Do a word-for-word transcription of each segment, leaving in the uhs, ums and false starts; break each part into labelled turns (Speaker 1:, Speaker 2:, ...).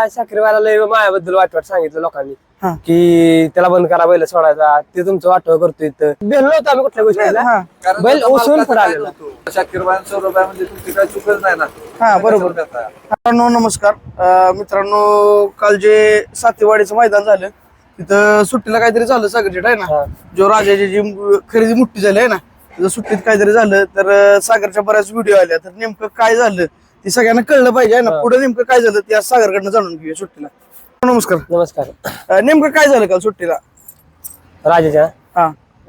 Speaker 1: शाकीरवाला लय मायाबद्दल वाट वाट सांगितलं लोकांनी
Speaker 2: हा.
Speaker 1: की त्याला बंद करा बैल सोडायचा, ते तुमचं वाटव करतो इथं. भेटलो होतो आम्ही कुठल्या गोष्टीला,
Speaker 2: हा.
Speaker 1: बैल उसून पुढे आलेला.
Speaker 3: शाकीरबाई सौरभबाई म्हणजे तुमची काय चुकच नाही ना.
Speaker 2: हा बरोबर. मित्रांनो नमस्कार. अं, मित्रांनो काल जे सातेवाडीचं मैदान झालं तिथं सुट्टीला काहीतरी झालं सागरजेट आहे ना, जो राजाची जी खरेदी मोठी झाली आहे ना, तिथं सुट्टीत काहीतरी झालं तर अं, सागरच्या बऱ्याच व्हिडिओ आल्या. तर नेमकं काय झालं ते सगळ्यांना कळलं पाहिजे ना, पुढे नेमकं काय झालं ते आज सागरकडनं जाणून घेऊया सुट्टीला. नमस्कार.
Speaker 1: नमस्कार.
Speaker 2: अं, नेमकं काय झालं काल सुट्टीला?
Speaker 1: राजाच्या
Speaker 2: हा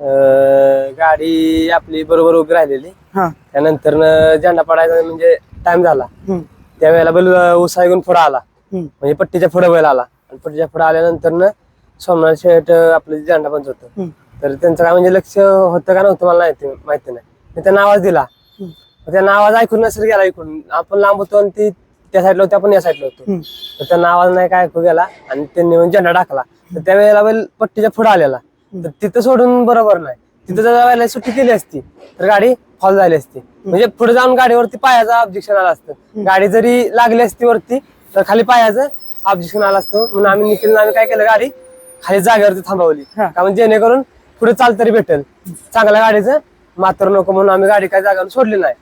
Speaker 1: अं, गाडी आपली बरोबर उभी राहिलेली,
Speaker 2: हा
Speaker 1: त्यानंतर झेंडा पडायचा म्हणजे टाइम झाला.
Speaker 2: हम्म,
Speaker 1: त्यावेळेला बैल उसाय घेऊन पुढे आला,
Speaker 2: हम्म,
Speaker 1: म्हणजे पट्टीच्या पुढे बैल आला. आणि पट्टीच्या पुढे आल्यानंतर सोमनाथ शेठ आपलं झेंडा पंच होतं,
Speaker 2: हम्म,
Speaker 1: तर त्यांचं काय म्हणजे लक्ष होतं का नव्हतं मला माहिती माहिती नाही. मी त्यांना आवाज दिला,
Speaker 2: हम्म,
Speaker 1: त्यांना आवाज ऐकून नसेल गेला. ऐकून आपण लांब होतो आणि ती त्या साईडला होती, आपण या साईडला होतो.
Speaker 2: हम्म.
Speaker 1: तर त्यांना आवाज नाही काय ऐकू गेला आणि त्यांनी म्हणजे झेंडा टाकला. तर त्यावेळेला बैल पट्टीच्या पुढे आलेला, तर तिथं सोडून बरोबर नाही. तिथं जर वेळेला सुट्टी केली असती तर गाडी फॉल झाली असती. म्हणजे पुढे जाऊन गाडीवरती पायाचं ऑब्जेक्शन आलं असतं. गाडी जरी लागली असती वरती तर खाली पायाचं ऑब्जेक्शन आलं असतं. म्हणून आम्ही निखिल आम्ही काय केलं, गाडी खाली जागेवरती थांबवली, कारण जेणेकरून पुढे चाल तरी भेटेल चांगल्या गाडीचं, मात्र नको म्हणून आम्ही गाडी काय जागेवर सोडली नाही.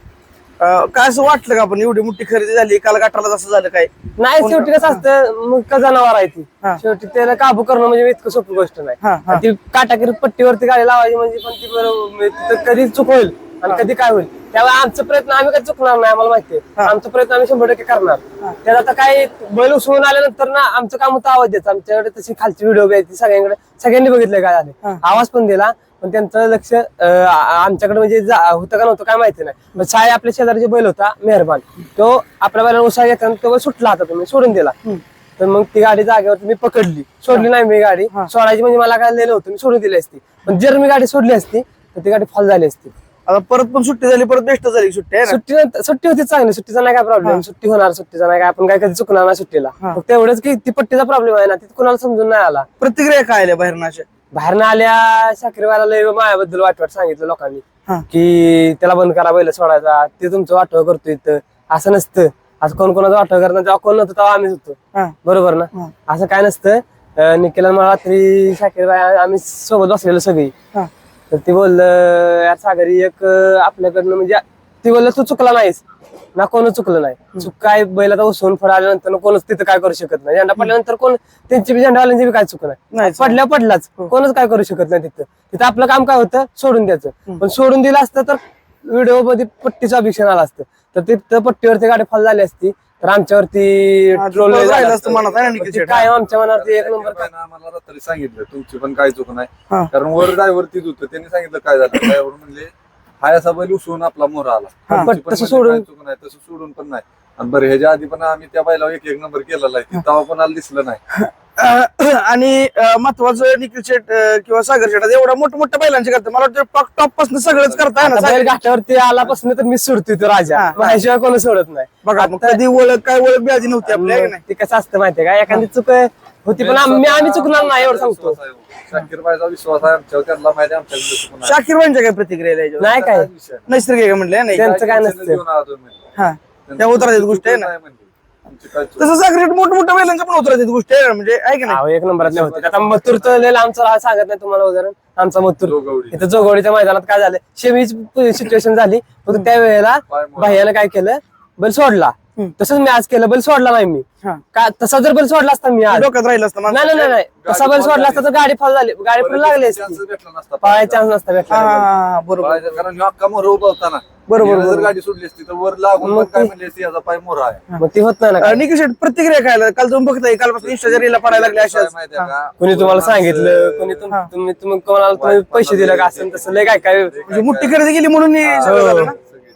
Speaker 2: अं, काय असं वाटलं का आपण एवढी मोठी खरेदी झाली काल गटाला असं झालं काय?
Speaker 1: नाही, शेवटी कसं असतं, मग का जनावर आहे ती,
Speaker 2: हा.
Speaker 1: शेवटी त्याला काबू करणं म्हणजे इतकं सोपी गोष्ट नाही.
Speaker 2: हा, हा.
Speaker 1: ती काटाकीर पट्टीवरती गाडी लावायची म्हणजे पण ती बरोबर तिथं कधी चूक होईल आणि कधी काय होईल. त्यावेळी आमचा प्रयत्न आम्ही कधी चुकणार नाही, आम्हाला माहितीये. आमचा प्रयत्न आम्ही शंभर टक्के करणार. त्यात आता काय बैल उसळून आल्यानंतर ना आमचं काम होतं आवाज द्यायचा. आमच्याकडे तशी खालची व्हिडिओ घ्यायची, सगळ्यांकडे सगळ्यांनी बघितलं काय झाले, आवाज पण दिला. पण त्यांचं लक्ष अं, आ- आमच्याकडे म्हणजे जा- होतं का नव्हतं काय माहिती नाही. मग साय आपल्या शेजारी बैल होता मेहरबान, तो आपल्या बैलाला उसा घेताना तो बैल सुटला होता, तुम्ही सोडून दिला. तर मग ती गाडी जागेवरती मी पकडली, सोडली नाही मी गाडी. सोडायची म्हणजे मला काय लिहिलं होतं, मी सोडून दिली असती. पण जर मी गाडी सोडली असती तर ती गाडी फॉल झाली असती.
Speaker 2: आता परत पण सुट्टी झाली, परत बेस्ट झाली सुट्टी आहे ना?
Speaker 1: सुट्टी सुट्टी होती चांगली, सुट्टीचा नाही काय प्रॉब्लेम, सुट्टी होणार, सुट्टीचा नाही काय, आपण काय कधी चुकणार नाही सुट्टीला. फक्त एवढंच की ती पट्टीचा प्रॉब्लेम आहे ना, ती कुणाला समजून नाही आला.
Speaker 2: प्रतिक्रिया काय आल्या बाहेर अशा?
Speaker 1: बाहेरनं आल्या शाकीरवाला लय मायाबद्दल वाट वाट सांगितलं लोकांनी
Speaker 2: हा.
Speaker 1: की त्याला बंद करा बैल सोडायचा, ते तुमचं वाटव करतो इथं. असं नसतं, असं कोण कोणाचं वाटव करणार, जेव्हा कोण नव्हतं तेव्हा आम्हीच होतो,
Speaker 2: हा.
Speaker 1: बरोबर ना.
Speaker 2: हा.
Speaker 1: असं काय नसतं. अं, निखिल आणि मला रात्री शाकीरबाई आम्ही सोबत बसलेलो सगळी,
Speaker 2: हा.
Speaker 1: तर ती बोललं यार सागरी एक अं, आपल्याकडनं म्हणजे ती बोललं तू चुकला नाहीस ना, कोण चुकलं नाही. चूक काय, बैलाचा उसून फळ आल्यानंतर कोणच तिथं काय करू शकत नाही. झेंडा पडल्यानंतर कोण त्यांची बी झेंडा आल्याची बी काय चुक नाही,
Speaker 2: नाही.
Speaker 1: पडल्या पडलाच, कोणच काय करू शकत नाही. तिथं तिथं आपलं काम काय होतं, सोडून द्यायचं. पण सोडून दिलं असतं तर व्हिडिओ मध्ये पट्टीचं ऑब्जेक्शन आलं असतं, तर तिथं पट्टीवरती गाडी फॉल झाली असती तर आमच्यावरती ट्रोल
Speaker 2: राहिलं असतं मनात आहे ना निखिल शेठ?
Speaker 1: काय आमच्या मनावरती एक नंबर.
Speaker 3: आम्हाला रात्री सांगितलं तुमची पण काय चूक नाही,
Speaker 2: हा.
Speaker 3: कारण वर ड्रायव्हर तीच होतं. त्यांनी सांगितलं काय झालं, ड्रायव्हर म्हणले हाय असा बैल उसळून आपला मोर आला.
Speaker 1: हा.
Speaker 3: तुमची पण
Speaker 1: तसं
Speaker 3: म्हणजे
Speaker 1: सोडून-
Speaker 3: काय चूक नाही, तसं सोडून पण नाही. आणि बरं ह्याच्या आधी पण आम्ही त्या बैलावर एक एक नंबर केलेला आहे, तेव्हा कोणाला दिसलं नाही.
Speaker 2: अं, आणि अं, महत्वाचं निखिल शेट अं, किंवा सागर शेट एवढा मोठ्या मोठ्या बैलांचे करतात. मला वाटतं टॉप पासून सगळंच करताय ना
Speaker 1: आता
Speaker 2: सागर?
Speaker 1: बैल घाटावरती आलापासून तर मी सोडतोय तो राजा,
Speaker 2: हा.
Speaker 1: माझ्याशिवाय कोणी सोडत नाही.
Speaker 2: बघा मग कधी ओळख काय ओळख बी आधी नव्हती आपल्या, आहे का नाही?
Speaker 1: ते कसं असतं माहितीये का, एखादी चूक होती पण आम्ही आम्ही चुकणार नाही एवढं सांगतो.
Speaker 3: शाकीरबाईचा विश्वास आहे आमच्यावर, त्यांना माहिती आहे आमच्याकडे चूक नाही.
Speaker 2: शाकीर भाईंच्या काय प्रतिक्रिया आहे याच्यावर?
Speaker 1: नाही काय
Speaker 3: विषय नाही.
Speaker 2: नैसर्गिक आहे म्हणले नाही?
Speaker 1: त्यांचं काय नसतं.
Speaker 3: घेऊन आला तुम्ही.
Speaker 2: हा त्या उतरायची गोष्ट आहे ना.
Speaker 3: नाही म्हणली. आमची काय चूक
Speaker 2: तसं सागर शेट मोठ्या मोठ्या बैलांच्या पण उतरायची गोष्ट आहे ना, म्हणजे आहे का नाही?
Speaker 1: अहो, एक नंबरात नाही होते. आता मथुर तर लय आमचं राह सांगत नाही तुम्हाला उदाहरण. आमचा मथुर
Speaker 3: जोगवडी.
Speaker 1: इथं जोगवडीच्या मैदानात काय झालं, शेमीच सिच्युएशन झाली. फक्त त्यावेळेला
Speaker 3: पाय मोडला.
Speaker 1: भैयानं काय केलं, बैल सोडला. तसंच मी आज केलं, बैल सोडला नाही मी.
Speaker 2: हा.
Speaker 1: का तसा जर बैल सोडला असता मी आज,
Speaker 2: डोक्यात राहिलं असतं
Speaker 1: नाही
Speaker 2: माणसाच्या.
Speaker 1: नाही नाही तसा बैल सोडला असता तर गाडी फॉल झाली, गाडी पण लागली असती,
Speaker 3: चान्सच भेटला नसता.
Speaker 1: पळायचा चान्स नसता
Speaker 2: हा,
Speaker 1: भेटला.
Speaker 2: हा, हा, बरोबर.
Speaker 3: पळायचा, कारण ह्यो अख्खा मोर उभा होता ना.
Speaker 2: बरोबर,
Speaker 3: हिला जर
Speaker 2: बरोबर.
Speaker 3: गाडी सोडली असती तर वर लागून
Speaker 1: मग
Speaker 3: पण काय
Speaker 1: ते-
Speaker 3: म्हणली असती, याचा पाय मोरा आहे.
Speaker 1: मग ती होत नाही ना काय.
Speaker 2: अं, निखिल शेट प्रतिक्रिया काय आल्या? काल तुम्ही बघताय कालपासून इंस्टाच्या रीलला पडायला लागले
Speaker 3: काय
Speaker 2: अशाच.
Speaker 3: माहितीये का?
Speaker 1: कोणी तुम्हाला सांगितलं, कोणी तुम- तुम्ही तुम्ही कोणाला तुम्ही पैसे दिले का असं तसं लय काय काय
Speaker 2: म्हणजे मोठी खरेदी केली म्हणून हे
Speaker 1: हो.
Speaker 2: सगळं झालं ना?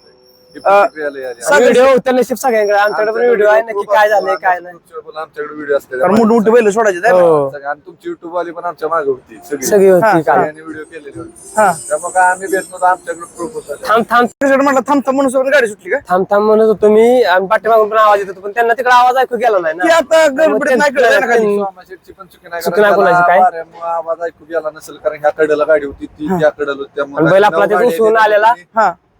Speaker 3: ही प्रतिक्रिया लय आली.
Speaker 1: व्हिडिओ होता नशीब सगळ्यांकडे, आमच्याकडे पण व्हिडिओ आहे नक्की काय झालंय काय नाही.
Speaker 3: आमच्याकडे व्हिडिओ असते
Speaker 2: कारण मोठी मोठी बैल सोडायचे आहे ना?
Speaker 1: हो,
Speaker 3: आणि तुमची युट्यूब वाली पण आमच्या मागे होती सगळी.
Speaker 1: सगळी होती काल.
Speaker 3: व्हिडिओ केलेले होते.
Speaker 2: हा.
Speaker 3: त्यामुळे काय आम्ही भेटलो तर आमच्याकडे प्रूफ होता.
Speaker 1: थांब थांब
Speaker 2: निखिल शेट म्हटलं थांबता म्हणून सोबत गाडी सुटली का?
Speaker 1: थांब थांब म्हणत होतो मी, आणि पाठीमागून पण आवाज येत होतो, पण त्यांना तिकडे आवाज ऐकू गेला नाही
Speaker 2: ती
Speaker 1: ना.
Speaker 2: आता गडबडीत नाही कळलं ना खाली.
Speaker 3: सोमाशेठची पण चुकी नाही,
Speaker 1: चुकी
Speaker 3: कारण
Speaker 1: नाही कोणाची काय?
Speaker 3: त्याला वाऱ्यामुळं आवाज ऐकू गेला नसेल, कारण ह्या कडेला गाडी होती ती त्या कडेला होती. त्यामुळे
Speaker 1: आणि बैल आपला
Speaker 3: नऊ
Speaker 1: ते
Speaker 3: गाड्या
Speaker 1: उचलून
Speaker 3: गेल्या
Speaker 1: आलेला.
Speaker 3: आणि
Speaker 2: हा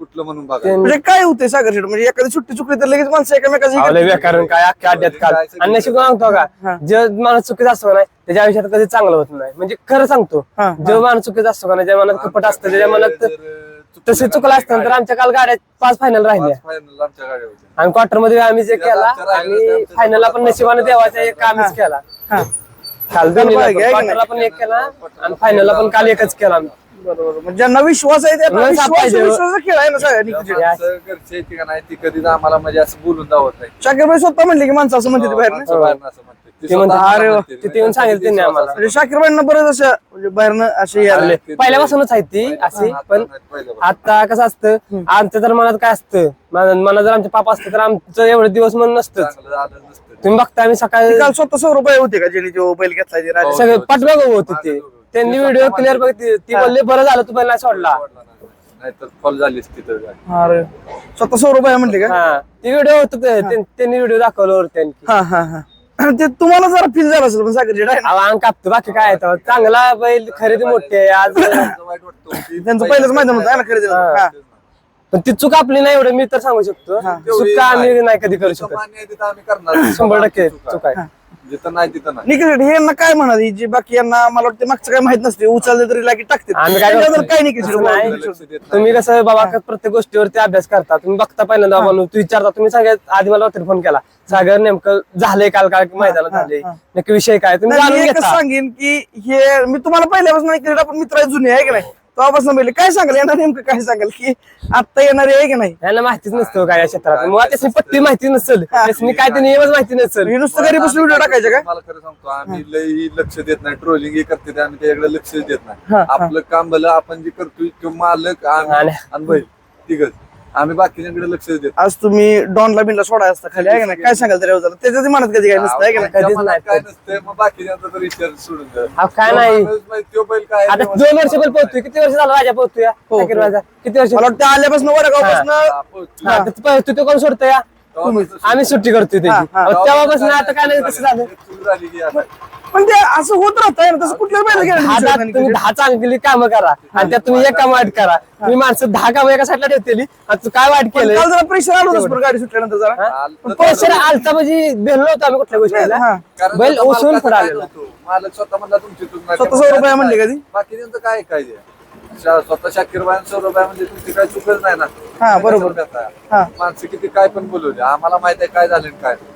Speaker 3: कुठलं म्हणून बघा
Speaker 1: ते-
Speaker 2: म्हणजे काय होतंय सागर शेठ म्हणजे एखादी सुट्टी चुकली तर लगेच माणसं एकमेकाची
Speaker 1: आवले बेकारून काय अख्ख्या अड्ड्यात काल आणि नशीब सांगतो
Speaker 2: हा.
Speaker 1: का जे माणूस चुकीचा असतो का नाही त्याच्या आयुष्यात कधी चांगलं होत नाही म्हणजे खरं सांगतो
Speaker 2: हा, हा.
Speaker 1: जो माणूस चुकीचा असतो का नाही ज्या मनात कपट असतं त्याच्या मनात तसे चुकलं असतं तर आमच्या काल गाड्या पाच फायनल राहिल्या
Speaker 3: फायनल आमच्या गाड्या होत्या
Speaker 1: आणि क्वार्टर मध्ये आम्ही जे केला
Speaker 3: आमच्या राहिलेलं
Speaker 1: आणि
Speaker 3: ते आमच्या
Speaker 1: फायनलला पण नशिबाने देवाचा एक आम्हीच केला
Speaker 2: हा.
Speaker 1: काल
Speaker 2: बरोबर आहे,
Speaker 1: दोन्ही
Speaker 2: आहे की
Speaker 1: क्वार्टरला पण एक केला आणि फायनलला पण काल एकच केला आम्ही.
Speaker 2: बरोबर म्हणजे ज्यांना विश्वास आहे त्यांना
Speaker 1: विश्वास
Speaker 2: विश्वास
Speaker 1: पाहिजे.
Speaker 2: विश्वासाचा खेळ आहे ना सगळ्या निखिल शेठ.
Speaker 3: माणसं घरची येते का नाही ती कधीच आम्हाला म्हणजे असं बोलून दावत नाही
Speaker 2: शाकीर भाई स्वतः म्हणले की माणसं असं म्हणते बाहेर
Speaker 3: माणसं बाहेरनं असं म्हणते. ती
Speaker 1: ते म्हणते,
Speaker 3: स्वतः
Speaker 1: अरे वा,
Speaker 3: म्हणते.
Speaker 1: तिथे येऊन सांगितलं त्यांनी आम्हाला.
Speaker 2: म्हणजे शाकीर भाईंना बरंच असं म्हणजे बाहेरनं असे यायला
Speaker 3: ते-
Speaker 1: पहिल्यापासूनच आहे ती अशी पण आता कसं असतं आमच्या तर मनात काय असतं मन- मनात जर आमचे पापा असते तर आमचं एवढे दिवस मन नसतं
Speaker 3: चांगलं झालं नसतं
Speaker 1: तुम्ही बघता आम्ही सकाळी
Speaker 2: काल स्वतः सौ रुपये होते का ज्यांनी जो बैल घेतला ते राजा
Speaker 1: सगळे पाठबघ होते ते त्यांनी व्हिडिओ क्लिअर बघितली ती बोलले बरं झालं तू पहिला सोडला
Speaker 3: नाहीतर फॉल झालीच तिथं गाडी.
Speaker 2: अरे स्वतः सौ रुपये म्हणले का
Speaker 1: हा ती व्हिडिओ होत त्यांनी व्हिडिओ दाखवलं वर त्यांनी
Speaker 2: हा हा हा ते तुम्हाला जरा फील झालं असेल पण सागर शेठ आहे ना
Speaker 1: अहो, अंग कापतो बाकी काय आहे तेव्हा. चांगला बैल खरेदी मोठी आहे आज
Speaker 3: आमचं वाईट वाटतं की
Speaker 2: त्यांचं पहिलंच मैदान होतं आहे ना खरेदी
Speaker 1: हा. पण ती चूक आपली नाही एवढं मी तर सांगू शकतो चूक का आम्ही नाही कधी करू
Speaker 3: जिथं
Speaker 1: शकत
Speaker 3: मान्य आहे तिथं आम्ही करणार
Speaker 1: शंभर टक्के चूक आहे
Speaker 3: जिथं नाही तिथं नाही
Speaker 2: निखिल शेठ हे यांना काय म्हणा जी बाकी यांना मला वाटतं मागचं काय माहित नसते उचलले तरी लागी टाकते
Speaker 1: आम्ही काय
Speaker 2: त्याच्याबद्दल
Speaker 1: करतो?
Speaker 2: काय निखिल शेठ
Speaker 1: असं नाही.
Speaker 3: लक्ष देत नाही.
Speaker 1: तुम्ही कसं बाबा का प्रत्येक गोष्टीवरती अभ्यास करता तुम्ही बघता पहिल्यांदा बाबा तू विचारता तुम्ही सगळ्यात आधी मला रात्री फोन केला सागर नेमकं झालंय काल काय मैदानात झाले नक्की विषय काय तुम्ही
Speaker 2: नाही,
Speaker 1: जाणून
Speaker 2: मी एकच
Speaker 1: घेता
Speaker 2: सांगेन की हे मी तुम्हाला पहिल्यापासून निखिल शेठ आपण मित्र जुने आहे की नाही तेव्हापासून पहिले काय सांगाल यांना नेमकं काय सांगाल की आता येणारे आहे की नाही
Speaker 1: यांना माहितीच नसतं काय या क्षेत्रात मग त्याची पट्टी माहिती नसेल त्याची काय ते नियमच माहिती नसेल
Speaker 2: हे नुसतं घरी बसून व्हिडिओ टाकायचे का
Speaker 3: मला खरं सांगतो आम्ही लई लक्ष देत नाही ट्रोलिंग हे करते ते आम्ही त्याच्याकडे लक्ष देत
Speaker 2: हा,
Speaker 3: नाही
Speaker 2: हा.
Speaker 3: आपलं काम भलं आपण जे करतोय तो मालक आम्ही
Speaker 1: आणि-
Speaker 3: आणि बैल तिघच आम्ही बाकीच्यांकडे लक्ष देत
Speaker 2: आज तुम्ही डॉनला बिनला सोडा असता खाली आहे का नाही काय सांगाल त्या त्याच्यात मनात कधी काय नसतं आहे का नाही
Speaker 3: त्या
Speaker 1: कधीच
Speaker 3: मनात
Speaker 1: नाही.
Speaker 3: काय नसतंय मग बाकीच्यांचा तर विचार सोडून द्या.
Speaker 1: अहो, काय
Speaker 3: तो
Speaker 1: नाही.
Speaker 3: माणूस माहिती, तो बैल काय
Speaker 1: आता दोन वर्ष बैल पोहतोय किती वर्ष झालं राजा पोहतोय
Speaker 2: हो,
Speaker 1: शाकीर
Speaker 2: हो.
Speaker 1: राजा किती वर्ष
Speaker 2: मला वाटतं आल्यापासून वडगावपासून
Speaker 1: हा, तर पोहतोय तो कोण सोडतोय या? आम्ही सुट्टी करतोय त्याची
Speaker 2: हा, हा.
Speaker 1: अहो, तेव्हापासून आता काय नाही कसं झालं
Speaker 3: चूक झाली की आता.
Speaker 2: पण ते असं होत राहतं ना तसं कुठल्या
Speaker 1: दहा दहा
Speaker 2: बैल
Speaker 1: तुम्ही दहा चांगली कामं करा आणि त्यात तुम्ही एक काम वाईट करा तुम्ही माणसं दहा कामं एका साईडला ठेवतेली आणि तू काय वाईट केलं
Speaker 2: काल जरा प्रेशर आलं होतं बरं गाडी सुटल्यानंतर जरा
Speaker 3: आलं-
Speaker 1: पैसे आलता म्हणजे भेटलो होतो आम्ही कुठल्या गोष्टीला
Speaker 2: हा.
Speaker 3: कारण
Speaker 1: बैल
Speaker 3: स्वतः
Speaker 1: ओसून
Speaker 3: मालकाचं
Speaker 1: पुढे
Speaker 3: काय
Speaker 1: आलेला
Speaker 3: नव्हतं. मालक स्वतः म्हणला तुमची चूक नाही.
Speaker 2: स्वतः सौ रुपये म्हणले कधी?
Speaker 3: बाकी त्यांचं काय काय आहे? शा- स्वतः शाकीर बाई सौ रुपये म्हणजे तुमची काय चुकच नाही ना
Speaker 2: हा, बरोबर.
Speaker 3: कशाला करताय?
Speaker 2: हा.
Speaker 3: माणसं किती काय पण बोलू द्या आम्हाला माहित आहे काय झालं आणि काय नाही.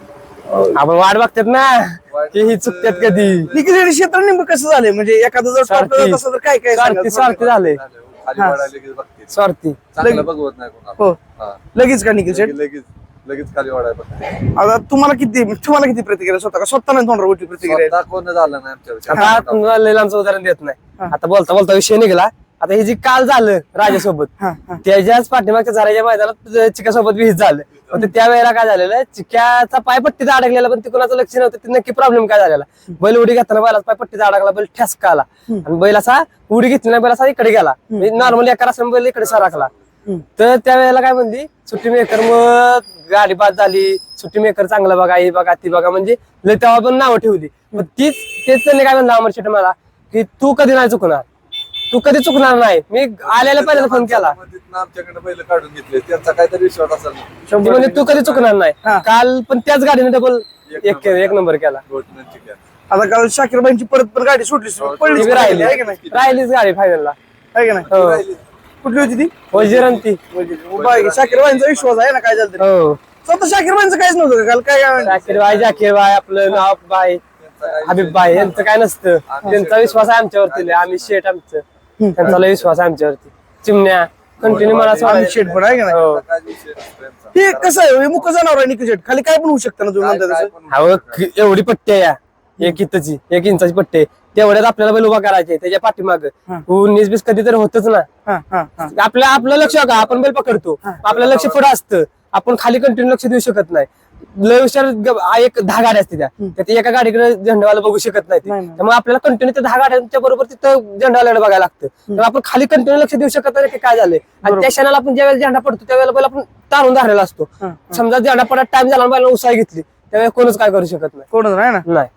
Speaker 1: आपण वाट बघतात ना की ही चुकतात कधी
Speaker 2: निखिल क्षेत्र नेमकं कसं झालंय म्हणजे एखादं जर
Speaker 1: स्वार्थी.
Speaker 2: टॉपला तसं तर काय काय
Speaker 1: स्वार्थी
Speaker 2: सांगाल?
Speaker 1: स्वार्थी झाले
Speaker 3: झालं. खाली वाढायला लगेच बघते
Speaker 1: स्वार्थी
Speaker 3: चांगलं बघवत नाही कोणाला
Speaker 2: हो
Speaker 3: हा.
Speaker 2: लगेच का निखिल शेठ
Speaker 3: लगेच लगेच लगेच खाली वाढायला बघते
Speaker 2: आता तुम्हाला किती तुम्हाला किती प्रतिक्रिया स्वतः का स्वतः नाही तोंडावर उलटी प्रतिक्रिया
Speaker 3: स्वतः कोण झालं नाही आमच्या
Speaker 1: आता तुम्हाला लय लांबचं उदाहरण देत नाही आता बोलता बोलता विषय निघाला आता हे जे काल झालं राजासोबत
Speaker 2: हा, हा.
Speaker 1: त्याच्याच पाठीमागच्या झाडाच्या मैदानात चिक्यासोबत विहित झालं पण ते त्या वेळेला काय झालेलं चिक्याचा पाय पट्टीचा अडकलेला पण ते कोणाचं लक्ष नव्हतं ते नक्की प्रॉब्लेम काय झालेला बैल उडी घेताना बैलाचा पाय पट्टीचा अडकला बैल ठसका आला आणि बैल असा उडी घेतली नाही बैल असा इकडे गेला नॉर्मली एका असं बैल इकडे सरकला तर त्या वेळेला काय म्हणली सुट्टी मेकर मग गाडी बाद झाली सुट्टी मेकर चांगला बघा ही बघा ती बघा म्हणजे लय तेव्हा पण नावं ठेवली मग तीच तेच त्यांनी काय म्हणलं अमर शेट मला की तू कधी नाही चुकणार तू कधी चुकणार नाही मी आल्याला पहिल्यांदा फोन केला
Speaker 3: आमच्याकडे पहिलं काढून घेतले त्यांचा काहीतरी विश्वास असेल
Speaker 1: ती म्हणजे तू कधी चुकणार नाही
Speaker 2: हा.
Speaker 1: काल पण त्याच गाडीने डबल एक एक नंबर केला
Speaker 3: घोटण्यांची घ्या.
Speaker 2: आता काल शाकीरबाईंची परत पण गाडी सुटली पडली
Speaker 1: ती बी राहिली
Speaker 2: आहे की नाही
Speaker 1: राहिलीच गाडी फायनलला
Speaker 2: आहे की नाही
Speaker 1: हो
Speaker 3: राहिली.
Speaker 2: कुठली होती ती
Speaker 1: वजीरंती
Speaker 2: शाकीरबाईंचा विश्वास आहे ना काय झालं तरी.
Speaker 1: हो
Speaker 2: स्वतः शाकीरबाईंचं काहीच नव्हतं का काल काय काय म्हणलं?
Speaker 1: जाकीर बाय जाकीर बाय आपलं नाव बाय हबीब बाय यांचं काय नसतं त्यांचा विश्वास आहे आमच्यावरती लय. आम्ही शेट आमचं त्यांचा लय विश्वास आहे आमच्यावरती चिमण्या कंटिन्यू मला
Speaker 2: आम्ही
Speaker 1: सोडायला
Speaker 2: शेट पण आहे की नाही
Speaker 1: हो
Speaker 3: काय विषय नसतो यांचा.
Speaker 2: हे कसं आहे हे मुख जनावर आहे निखिल शेट खाली काय पण होऊ शकतं ना तुम्ही
Speaker 3: काय-
Speaker 2: म्हणता
Speaker 3: काय
Speaker 2: तसं
Speaker 3: पण
Speaker 1: अहो क- एवढी पट्टी आहे या एक इंचाची एक इंचाची पट्टी आहे. तेवढ्यात आपल्याला बैल उभा करायचे त्याच्या पाठीमाग उन्नीस बीस कधी तर होतच ना
Speaker 2: हा हा हा
Speaker 1: आपलं आपलं लक्ष का आपण बैल पकडतो आपलं लक्ष पुढे असतं आपण खाली कंटिन्यू लक्ष देऊ शकत नाही लय हुशार ग- आ- एक दहा गाड्या असते त्या त्यात एका गाडीकडे झेंडावाला बघू शकत नाही ते.
Speaker 2: नाही, नाही.
Speaker 1: त्यामुळे आपल्याला कंटिन्यू त्या दहा गाड्यांच्या बरोबर तिथं झेंडावाल्याकडे बघायला लागतं त्यामुळे आपण खाली कंटिन्यू लक्ष देऊ शकत नाही की काय झालंय आणि त्या क्षणाला आपण ज्यावेळेला झेंडा पडतो त्यावेळेला बैल आपण तारून धरलेला असतो समजा झेंडा पडत टाइम झाला बैल उसाई घेतली त्यावेळेला कोणच काय करू शकत नाही
Speaker 2: कोणच नाही ना
Speaker 1: नाही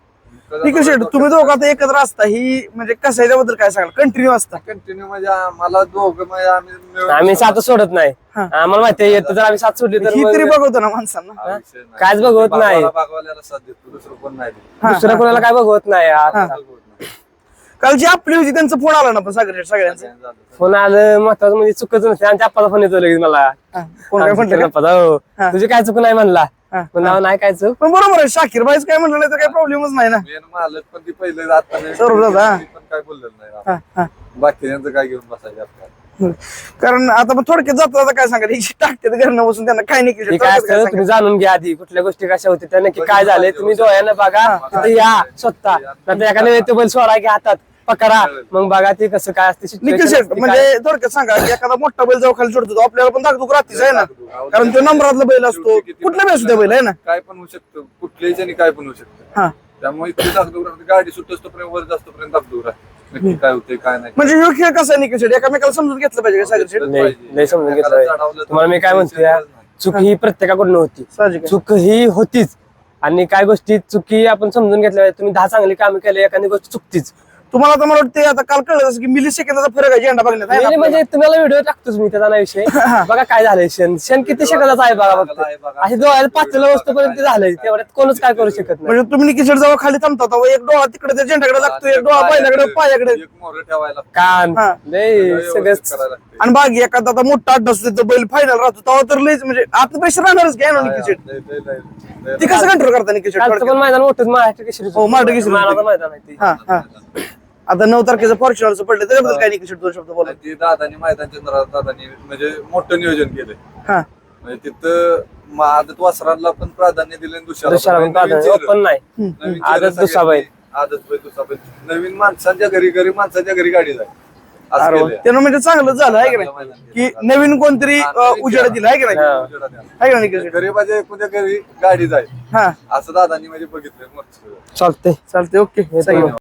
Speaker 2: निखिल शेट तुम्ही दोघं आता एकत्र असता ही म्हणजे कसं याच्याबद्दल काय सांगाल कंटिन्यू असता
Speaker 3: कंटिन्यू म्हणजे आम्हाला दोघं म्हणजे आम्ही मिळून
Speaker 1: आम्ही साथ सोडत नाही आम्हाला माहिती आहे येतं जर आम्ही साथ सोडली तर
Speaker 2: ही
Speaker 1: मग
Speaker 2: तरी बघवतो ना माणसांना
Speaker 3: हा विषय नाही.
Speaker 1: कायच बघवत नाही.
Speaker 3: बागवाला- बागवाल्याला साथ देतो दुसरं कोण नाही देत.
Speaker 1: दुसऱ्या कोणाला काय बघवत नाही यार.
Speaker 3: बघवत नाही.
Speaker 2: काल जी आपली होती त्यांचा फोन आला ना पण सागर शेट सगळ्यांचा
Speaker 3: सगळ्यांचं झालं.
Speaker 1: फोन आलं महत्वाचं म्हणजे चुकच नसते आणि आप्पाचा फोन येतो लगेच मला
Speaker 2: हा, कोण काय म्हटलं का?
Speaker 1: आप्पाचा, हो
Speaker 2: हा.
Speaker 1: तुझी काय चुक नाही म्हणला
Speaker 2: हा,
Speaker 1: म्हणला नाही काय चूक.
Speaker 2: पण बरोबर आहे शाकीर भाईच काय म्हणलं नाही तर काही प्रॉब्लेमच नाही ना
Speaker 3: मेन मालक पण ती पहिले आता नाही.
Speaker 2: सर्व दादा, हा.
Speaker 3: ती पण काय बोललेलं नाही
Speaker 2: हा, हा.
Speaker 3: बाकीच्यांचं काय घेऊन बसायचं आपल्याला.
Speaker 2: कारण आता पण थोडक्यात जाता जाता काय सांगा टाकते घरनं बसून त्यांना काय नाही
Speaker 1: हे काय असतं तुम्ही जाणून घ्या आधी कुठल्या गोष्टी कशा होत्या त्या नक्की काय झालंय तुम्ही डोळ्यानं बघा तिथे या स्वतः नंतर एखाद्या ते बैल सोडा घ्या हातात पकडा मग बघा ते कसं काय असते
Speaker 2: निखिल
Speaker 1: situation
Speaker 2: शेट
Speaker 1: असते काय.
Speaker 2: म्हणजे थोडक्यात सांगा की एखादा मोठा बैल जेव्हा खाली सोडतो तो आपल्याला पण दाखतो रात्रीच आहे ना कारण तो नंबरातला बैल असतो कुठल्या बैल सुद्धा बैल आहे ना
Speaker 3: काय पण होऊ शकतं कुठल्याही जणी काय पण होऊ शकतं
Speaker 2: हा
Speaker 3: त्यामुळे इतकी दाखदूर राहते. गाडी सुटतो पर्यंत वर जास्त पर्यंत दाखदूर राहते नक्की काय होते काय नाही.
Speaker 2: म्हणजे ह्यो खेळ कसा आहे निखिल शेट एकामेकाला समजून घेतलं पाहिजे का सागर शेट
Speaker 1: नाही नाही समजून घेतलं तुम्हाला मी काय म्हणतोय चूक ही प्रत्येकाकडून होती
Speaker 2: साहजिक आहे.
Speaker 1: चूक ही होतीच आणि काय गोष्टी चुकी आपण समजून घेतल्या तुम्ही दहा चांगली कामं केली एखादी गोष्ट चुकतीच
Speaker 2: तुम्हाला आता मला वाटतं आता काल कळलं जसं की मिली सेकंदाचा फरक आहे झेंडा बघण्यात आहे ना
Speaker 1: म्हणजे म्हणजे तुम्हाला व्हिडिओ टाकतोच मी त्याचा नाही विषय बघा काय झालंय क्षण क्षण किती सेकंदाचा आहे बघा फक्त अशी डोळ्याला पाचला वस्तूपर्यंत झालंय तेवढ्यात कोणच काय करू शकत नाही.
Speaker 2: म्हणजे तुम्ही निखिल शेट जेव्हा खाली थांबता तेव्हा एक डोळा तिकडे त्या झेंडाकडे लागतो एक डोळा पाहिल्याकडे पायाकडे
Speaker 3: एक मोर ठेवायला
Speaker 1: कान
Speaker 2: हा.
Speaker 1: लय
Speaker 3: व्यवस्थित
Speaker 1: सगळंच
Speaker 3: करायला लागते.
Speaker 2: आणि बाकी एखादा आता मोठा अड्डा असतो तिथं बैल फायनल राहतो तेव्हा तर लयच म्हणजे आता पैसे राहणारच काय ना निखिल शेट
Speaker 3: लय- लय- लय- लय-
Speaker 2: ती कसं कंट्रोल करता निखिल शेट
Speaker 1: कालचं पण मैदान मोठंच महाराष्ट्र केसरी
Speaker 2: हो, महाराष्ट्र केसरी
Speaker 1: मानाचं मैदान आहे ते.
Speaker 2: हा हा आता नऊ तारखेचं फॉर्च्युनरचं पडलं त्याच्याबद्दल काय निखिल शेट दोन शब्द बोला
Speaker 3: ती दादानी मैदान चंद्रात दादानी म्हणजे मोठं नियोजन केलंय
Speaker 2: हा
Speaker 3: म्हणजे तिथं म- आदत वासरांना पण प्राधान्य दिले दुसऱ्याला
Speaker 1: दुसऱ्याला पण प्राधान्य पण नाही
Speaker 3: नवीन
Speaker 1: आदत
Speaker 3: चेहरा
Speaker 1: दुसरा बैल.
Speaker 3: सगळ्यांनी- आदत बैल दुसरा बैल नवीन माणसांच्या घरी घरी माणसाच्या घरी गाडी जाय असं
Speaker 2: अरे वा.
Speaker 3: केलंय.
Speaker 2: त्यानं म्हणजे चांगलं झालं आहे की नाही की नवीन कोणतरी अं, उजेड दिला आहे की नाही
Speaker 1: हा.
Speaker 2: आहे का निखिल शेट
Speaker 3: गरीबाच्या एकूणच्या घरी गाडी जाय
Speaker 2: हा
Speaker 3: असं दादानी म्हणजे बघितलंय मस्त
Speaker 1: चालतंय
Speaker 2: चालते ओके